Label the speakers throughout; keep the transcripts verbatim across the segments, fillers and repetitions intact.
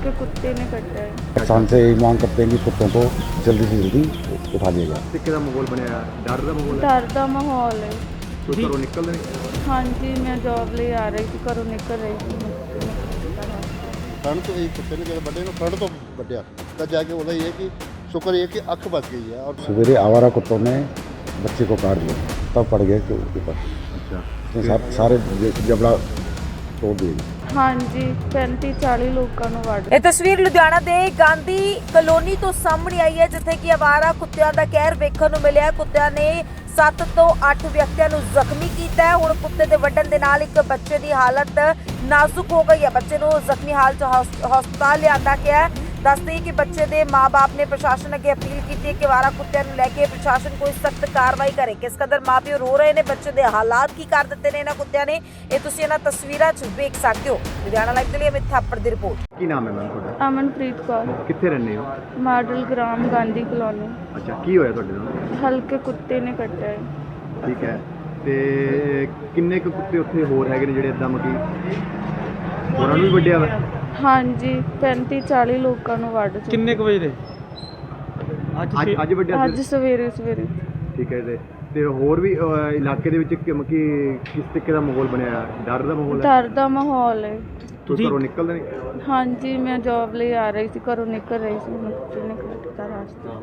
Speaker 1: हल्के कुत्ते ने कटा है।
Speaker 2: किसान से यही मांग करते हैं कि कुत्तों को जल्दी से जल्दी उठा लिया जाए।
Speaker 3: ਕਿੱਥੇ ਦਾ ਮਾਹੌਲ ਬਣਿਆ ਡਰ ਦਾ ਮਾਹੌਲ ਹੈ
Speaker 1: डर का माहौल है।
Speaker 3: ਕੋਈ ਘਰੋਂ ਨਿਕਲਦੇ ਨਹੀਂ
Speaker 1: हाँ जी, मैं जॉब ले आ रही थी, घरों निकल रही थी।
Speaker 4: ਫਰੰਟ ਤੋਂ ਇਹ ਕੁੱਤੇ ਨੇ ਜਦੋਂ ਵੱਡੇ ਨੂੰ ਫਰੰਟ ਤੋਂ ਵੱਢਿਆ ਤਾਂ ਜਾ ਕੇ ਉਹਦਾ ਇਹ ਹੈ ਕਿ ਸ਼ੁਕਰ ਇਹ ਕਿ ਅੱਖ ਬਚ गई है। और
Speaker 2: सवेरे आवारा कुत्तों ने बच्चे को काट दिया, तब पड़ गए के ऊपर।
Speaker 3: ਅੱਛਾ
Speaker 2: उसने सा- सारे ज- जबड़ा तोड़ दिए।
Speaker 1: हाँ जी, पैंती चाली लोगों ਨੂੰ ਵੱਢ
Speaker 5: ਇਹ ਤਸਵੀਰ ਲੁਧਿਆਣਾ ਦੇ ਗਾਂਧੀ ਕਲੋਨੀ ਤੋਂ ਸਾਹਮਣੇ ਆਈ ਹੈ, ਜਿੱਥੇ ਕਿ ਅਵਾਰਾ ਕੁੱਤਿਆਂ ਦਾ ਕਹਿਰ ਵੇਖਣ ਨੂੰ ਮਿਲਿਆ। ਕੁੱਤਿਆਂ ਨੇ ਸੱਤ ਤੋਂ ਅੱਠ ਵਿਅਕਤੀਆਂ ਨੂੰ ਜ਼ਖਮੀ ਕੀਤਾ ਹੈ। ਹੁਣ ਕੁੱਤੇ ਦੇ ਵੱਢਣ ਦੇ ਨਾਲ ਇੱਕ ਬੱਚੇ ਦੀ ਹਾਲਤ ਨਾਜ਼ੁਕ ਹੋ ਗਈ ਹੈ। ਬੱਚੇ ਨੂੰ ਜ਼ਖਮੀ ਹਾਲਤ 'ਚ ਹਸ- ਹਸਪਤਾਲ ਲਿਆਂਦਾ ਗਿਆ ਹੈ। ਦੱਸਦੇ ਕਿ ਬੱਚੇ ਦੇ ਮਾਪੇ ਨੇ ਪ੍ਰਸ਼ਾਸਨ ਅੱਗੇ ਅਪੀਲ ਕੀਤੀ ਹੈ ਕਿ ਅਵਾਰਾ ਕੁੱਤਿਆਂ ਨੂੰ ਲੈ ਕੇ ਪ੍ਰਸ਼ਾਸਨ ਕੋਈ ਸਖਤ ਕਾਰਵਾਈ ਕਰੇ। ਕਿਸ ਕਦਰ ਮਾਪੇ ਰੋ ਰਹੇ ਨੇ, ਬੱਚੇ ਦੇ ਹਾਲਾਤ ਕੀ ਕਰ ਦਿੱਤੇ ਨੇ ਇਹਨਾਂ ਕੁੱਤਿਆਂ ਨੇ, ਇਹ ਤੁਸੀਂ ਇਹਨਾਂ ਤਸਵੀਰਾਂ 'ਚ ਵੇਖ ਸਕਦੇ ਹੋ। ਲੁਧਿਆਣਾ ਲਾਈਵ ਦੇ ਲਈ ਅਮਿਤ ਥਾਪੜ ਦੀ ਰਿਪੋਰਟ।
Speaker 3: ਕੀ ਨਾਮ ਹੈ ਮੈਮ ਤੁਹਾਡਾ
Speaker 1: ਅਮਨਪ੍ਰੀਤ ਕੌਰ,
Speaker 3: ਕਿੱਥੇ ਰਹਿੰਦੇ ਹੋ
Speaker 1: ਮਾਡਲ ਗ੍ਰਾਮ ਗਾਂਧੀ ਕਲੋਨੀ।
Speaker 3: ਅੱਛਾ ਕੀ ਹੋਇਆ ਤੁਹਾਡੇ ਨਾਲ
Speaker 1: ਹਲਕੇ ਕੁੱਤੇ ਨੇ ਕੱਟਿਆ ਹੈ।
Speaker 3: ਠੀਕ ਹੈ ਤੇ ਕਿੰਨੇ ਕੁ ਕੁੱਤੇ ਉੱਥੇ ਹੋਰ ਹੈਗੇ ਨੇ ਜਿਹੜੇ ਇਦਾਂ ਮਕੀ ਉਹਨਾਂ ਨੂੰ ਵੀ ਵੱਢਿਆ ਵਾ
Speaker 1: हाँ जी, पैंती चाली ਲੋਕਾਂ ਨੂੰ ਵੱਢ ਚੁੱਕੇ।
Speaker 6: ਕਿੰਨੇ ਕੁ ਵਜੇ ਦੇ
Speaker 3: ਅੱਜ ਅੱਜ ਵੱਢਿਆ
Speaker 1: ਅੱਜ
Speaker 3: ਸੀ?
Speaker 1: ਸਵੇਰੇ ਸਵੇਰੇ
Speaker 3: ਠੀਕ ਹੈ ਤੇ ਤੇ ਹੋਰ ਵੀ ਅਹ, ਇਲਾਕੇ ਦੇ ਵਿੱਚ ਕਿ ਮਕੀ ਕਿਸ ਤਰੀਕੇ ਦਾ ਮਾਹੌਲ ਬਣਿਆ ਡਰ ਦਾ ਮਾਹੌਲ ਹੈ
Speaker 1: ਡਰ ਦਾ ਮਾਹੌਲ ਹੈ।
Speaker 3: ਕੋਈ ਘਰੋਂ ਨਿਕਲਦੇ ਨਹੀਂ
Speaker 1: हाँ जी, मैं जॉब ले आ रही थी, घरों निकल रही थी, कुत्ते ने कटा रास्ता।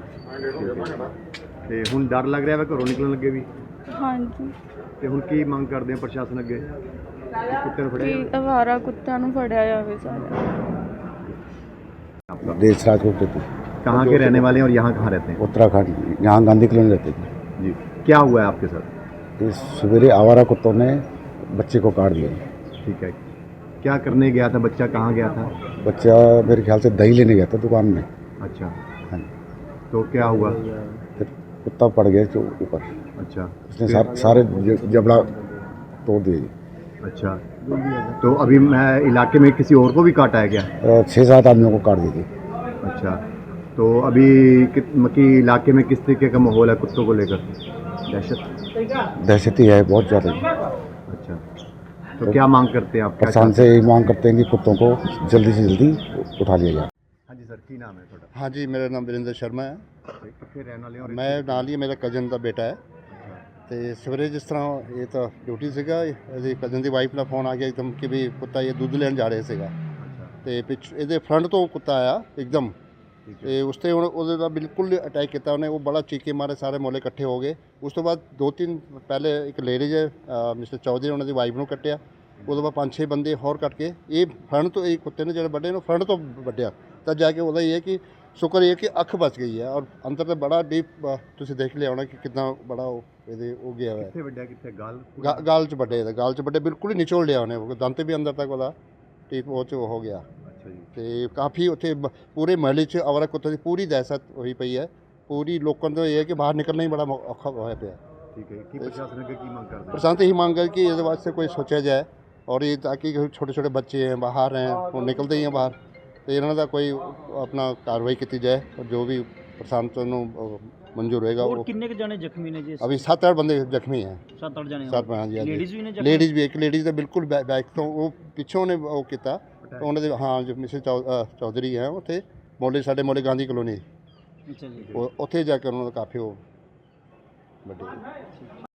Speaker 3: ਤੇ ਹੁਣ ਡਰ ਲੱਗ ਰਿਹਾ ਵਾ ਘਰੋਂ ਨਿਕਲਣ ਲੱਗੇ ਵੀ
Speaker 1: हाँ जी,
Speaker 3: ਤੇ ਹੁਣ ਕੀ ਮੰਗ ਕਰਦੇ ਆ ਪ੍ਰਸ਼ਾਸਨ ਅੱਗੇ ਕਿ ਕੁੱਤੇ ਨੂੰ
Speaker 1: कि
Speaker 3: ਫੜਿਆ
Speaker 1: ਅਵਾਰਾ ਕੁੱਤਿਆਂ ਨੂੰ ਫੜਿਆ ਜਾਵੇ ਸਾਰੇ।
Speaker 2: देश राज होते थे,
Speaker 3: कहाँ के रहने वाले हैं और यहाँ कहाँ रहते हैं
Speaker 2: उत्तराखंड, यहाँ गांधी कॉलोनी रहते थे।
Speaker 3: जी क्या हुआ है आपके साथ
Speaker 2: इस सवेरे आवारा कुत्तों ने बच्चे को काट दिया।
Speaker 3: ठीक है क्या करने गया था बच्चा कहाँ गया था
Speaker 2: बच्चा मेरे ख्याल से दही लेने गया था दुकान में।
Speaker 3: अच्छा
Speaker 2: हाँ,
Speaker 3: तो क्या हुआ
Speaker 2: फिर कुत्ता पड़ गया के ऊपर।
Speaker 3: अच्छा
Speaker 2: उसने सा- सारे ज- जबड़ा तोड़ दिए।
Speaker 3: अच्छा तो अभी मैं इलाके में किसी और को भी काटा है क्या
Speaker 2: अ, छः सात आदमियों को काट दिए।
Speaker 3: अच्छा तो अभी कित- मकी इलाके में किस तरीके का माहौल है कुत्तों को लेकर दहशत
Speaker 2: दहशत ही है बहुत ज़्यादा।
Speaker 3: अच्छा तो क्या मांग करते हैं आप क्या
Speaker 2: किसान से यही मांग करते हैं कि कुत्तों को जल्दी से जल्दी उठा लिया जाए।
Speaker 3: हाँ जी सर की नाम है थोड़ा
Speaker 4: हाँ जी, मेरा नाम वीरेंद्र शर्मा है।
Speaker 3: कितने रहने वाले और
Speaker 4: मैं ਨਾਲ ਹੀ ਮੇਰਾ ਕਜ਼ਨ ਦਾ ਬੇਟਾ ਹੈ ਤੇ ਸਵੇਰੇ ਜਿਸ ਤਰ੍ਹਾਂ ਇਹ ਤਾਂ ਡਿਊਟੀ ਸੀਗਾ, ਇਹਦੀ ਕਜ਼ਨ ਦੀ ਵਾਈਫ ਦਾ ਫੋਨ ਆ ਗਿਆ ਇੱਕਦਮ ਕਿ ਵੀ ਕੁੱਤਾ ਇਹ ਦੁੱਧ ਲੈਣ ਜਾ ਰਹੇ ਸੀਗਾ ਤੇ ਪਿੱਛ ਇਹਦੇ ਫਰੰਟ ਤੋਂ ਕੁੱਤਾ ਆਇਆ ਇੱਕਦਮ ਤੇ ਉਸ 'ਤੇ ਹੁਣ ਉਹਦੇ ਦਾ ਬਿਲਕੁਲ ਅਟੈਕ ਕੀਤਾ ਉਹਨੇ। ਉਹ ਬੜਾ ਚੀਕੇ ਮਾਰੇ, ਸਾਰੇ ਮੋਲੇ ਇਕੱਠੇ ਹੋ ਗਏ। ਉਸ ਤੋਂ ਬਾਅਦ ਦੋ ਤਿੰਨ ਪਹਿਲੇ ਇੱਕ ਲੇਡੀਜ਼ ਮਿਸਟਰ ਚੌਧਰੀ ਉਹਨਾਂ ਦੀ ਵਾਈਫ ਨੂੰ ਕੱਟਿਆ। ਉਹਦੇ ਬਾਅਦ ਪੰਜ ਛੇ ਬੰਦੇ ਹੋਰ ਕੱਟ ਕੇ ਇਹ ਫਰੰਟ ਤੋਂ ਇਹ ਕੁੱਤੇ ਨੇ ਜਿਹੜੇ ਵੱਡੇ ਨੂੰ ਫਰੰਟ ਤੋਂ ਵੱਢਿਆ ਤਾਂ ਜਾ ਕੇ ਉਹਦਾ ਇਹ ਹੈ ਕਿ ਸ਼ੁਕਰ ਇਹ ਕਿ ਅੱਖ ਬਚ ਗਈ ਹੈ। ਔਰ ਅੰਦਰ ਤੇ ਬੜਾ ਡੀਪ ਤੁਸੀਂ ਦੇਖ ਲਿਆ ਹੋਣਾ ਕਿ ਕਿੰਨਾ ਬੜਾ ਉਹ ਇਹਦੇ ਹੋ ਗਿਆ ਹੋਇਆ
Speaker 3: कितने ਵੱਡਿਆ ਕਿੱਥੇ ਗਾਲ
Speaker 4: ਗਾ- ਗਾਲ 'ਚ ਵੱਡੇ ਇਹਦਾ ਗਾਲ 'ਚ ਵੱਡੇ ਬਿਲਕੁਲ ਹੀ ਨਿਚੋੜ ਲਿਆ ਉਹਨੇ। ਉਹ ਦੰਦ ਵੀ ਅੰਦਰ ਤੱਕ ਉਹਦਾ ਟੀਪ ਉਹ 'ਚ ਹੋ ਗਿਆ
Speaker 3: ਅੱਛਾ ਜੀ
Speaker 4: ਤੇ ਕਾਫੀ ਉੱਥੇ ਬ- ਪੂਰੇ ਮਹੱਲੇ 'ਚ ਅਵਾਰਾ ਕੁੱਤੇ ਦੀ ਪੂਰੀ ਦਹਿਸ਼ਤ ਹੋਈ ਪਈ ਹੈ। ਪੂਰੀ ਲੋਕਾਂ ਦਾ ਇਹ ਹੈ ਕਿ ਬਾਹਰ ਨਿਕਲਣਾ ਹੀ ਬੜਾ ਮੌ- ਔਖਾ ਹੋਇਆ ਪਿਆ।
Speaker 3: ਠੀਕ ਹੈ ਕੀ ਪ੍ਰਸ਼ਾਸਨ ਅੱਗੇ ਕੀ ਮੰਗ ਕਰਦੇ हैं
Speaker 4: प्रशासन यही मांग है कि इसके वास्ते कोई सोचा जाए और ये ताकि छोटे छोटे बच्चे हैं बाहर हैं वो निकलते ही हैं बाहर तो इन्होंने का कोई अपना कार्रवाई की जाए और जो भी प्रशासन को मंजूर होएगा
Speaker 6: ਹੋਰ
Speaker 4: वो।
Speaker 6: ਕਿੰਨੇ ਕੁ ਜਾਣੇ ਜ਼ਖਮੀ ਨੇ ਜੀ?
Speaker 4: अभी सात आठ बंदे जख्मी हैं।
Speaker 6: ਸੱਤ ਅੱਠ ਜਾਣੇ
Speaker 4: सात हाँ जी
Speaker 6: ਲੇਡੀਜ਼ ਵੀ ਨੇ ਜ਼ਖਮੀ?
Speaker 4: लेडीज़ भी एक लेडीज़ तो बिल्कुल बै- बैक तो वो पिछों ने वो किया तो उन्होंने हाँ जो मिसेज चौधरी हैं उत्थे मोले साढ़े मोले गांधी कॉलोनी
Speaker 6: ਅੱਛਾ ਜੀ।
Speaker 4: उत्थे जाकर उन्होंने काफ़ी वो बड़े